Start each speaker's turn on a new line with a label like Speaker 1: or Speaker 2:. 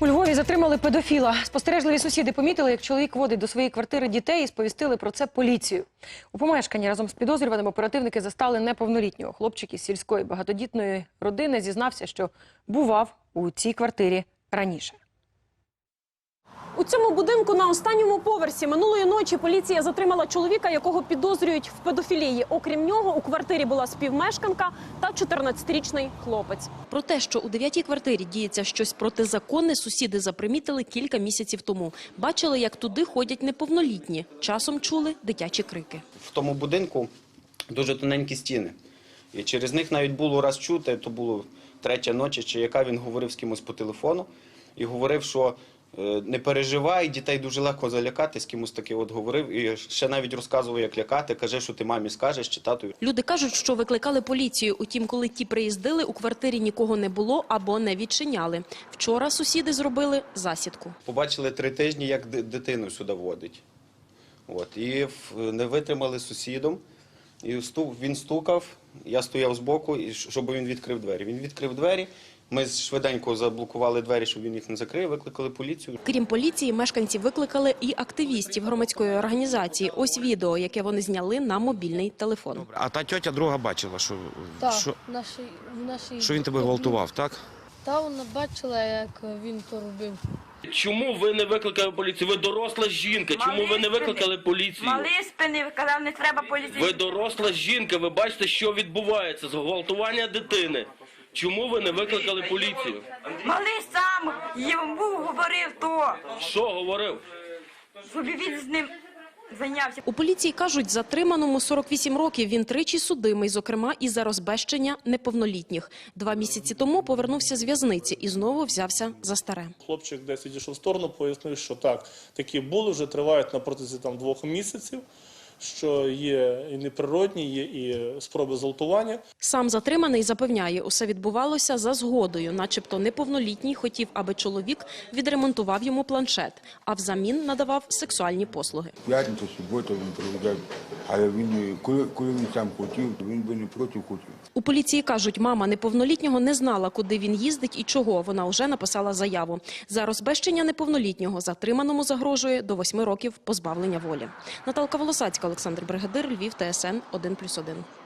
Speaker 1: У Львові затримали педофіла. Спостережливі сусіди помітили, як чоловік водить до своєї квартири дітей і сповістили про це поліцію. У помешканні разом з підозрюваним оперативники застали неповнолітнього. Хлопчик із сільської багатодітної родини зізнався, що бував у цій квартирі раніше.
Speaker 2: У цьому будинку на останньому поверсі минулої ночі поліція затримала чоловіка, якого підозрюють в педофілії. Окрім нього, у квартирі була співмешканка та 14-річний хлопець.
Speaker 3: Про те, що у 9-й квартирі діється щось протизаконне, сусіди запримітили кілька місяців тому. Бачили, як туди ходять неповнолітні. Часом чули дитячі крики.
Speaker 4: В тому будинку дуже тоненькі стіни. І через них навіть було раз чути, то було 3-я ночі, чи яка він говорив з кимось по телефону. І говорив, що не переживай, дітей дуже легко залякати, з кимось таки от говорив. І ще навіть розказував, як лякати, каже, що ти мамі скажеш, чи татові.
Speaker 3: Люди кажуть, що викликали поліцію. Утім, коли ті приїздили, у квартирі нікого не було або не відчиняли. Вчора сусіди зробили засідку.
Speaker 4: Побачили 3 тижні, як дитину сюди водить. От. І не витримали з сусідом. І він стукав, я стояв збоку, щоб він відкрив двері. Він відкрив двері. Ми швиденько заблокували двері, щоб він їх не закрив, викликали поліцію.
Speaker 3: Крім поліції, мешканці викликали і активістів громадської організації. Ось відео, яке вони зняли на мобільний телефон.
Speaker 5: А та тьотя друга бачила, що
Speaker 6: нашій
Speaker 5: він тебе гвалтував, так?
Speaker 6: Та вона бачила, як він то робив.
Speaker 7: Чому ви не викликали поліцію? Ви доросла жінка. Чому ви не викликали поліцію?
Speaker 8: Малий спинив, казав, не треба поліцію.
Speaker 7: Ви доросла жінка, ви бачите, що відбувається. Зґвалтування дитини. Чому ви не викликали поліцію?
Speaker 8: Малий сам йому говорив то.
Speaker 7: Що говорив?
Speaker 8: Щоб він з ним зайнявся.
Speaker 3: У поліції кажуть, затриманому 48 років, він тричі судимий, зокрема і за розбещення неповнолітніх. 2 місяці тому повернувся з в'язниці і знову взявся за старе.
Speaker 9: Хлопчик десь відійшов в сторону, пояснив, що так, такі були, вже тривають на протязі 2 місяців, що є і неприродні, є і спроби зґвалтування.
Speaker 3: Сам затриманий запевняє, усе відбувалося за згодою. Начебто неповнолітній хотів, аби чоловік відремонтував йому планшет, а взамін надавав сексуальні послуги.
Speaker 10: П'ятницю, суботу він приїжджав, але він, коли він сам хотів, він би не проти хотів.
Speaker 3: У поліції кажуть, мама неповнолітнього не знала, куди він їздить і чого. Вона вже написала заяву. За розбещення неповнолітнього затриманому загрожує до 8 років позбавлення волі. Наталка Волосацька, Олександр Бригадир, Львів, ТСН 1+1.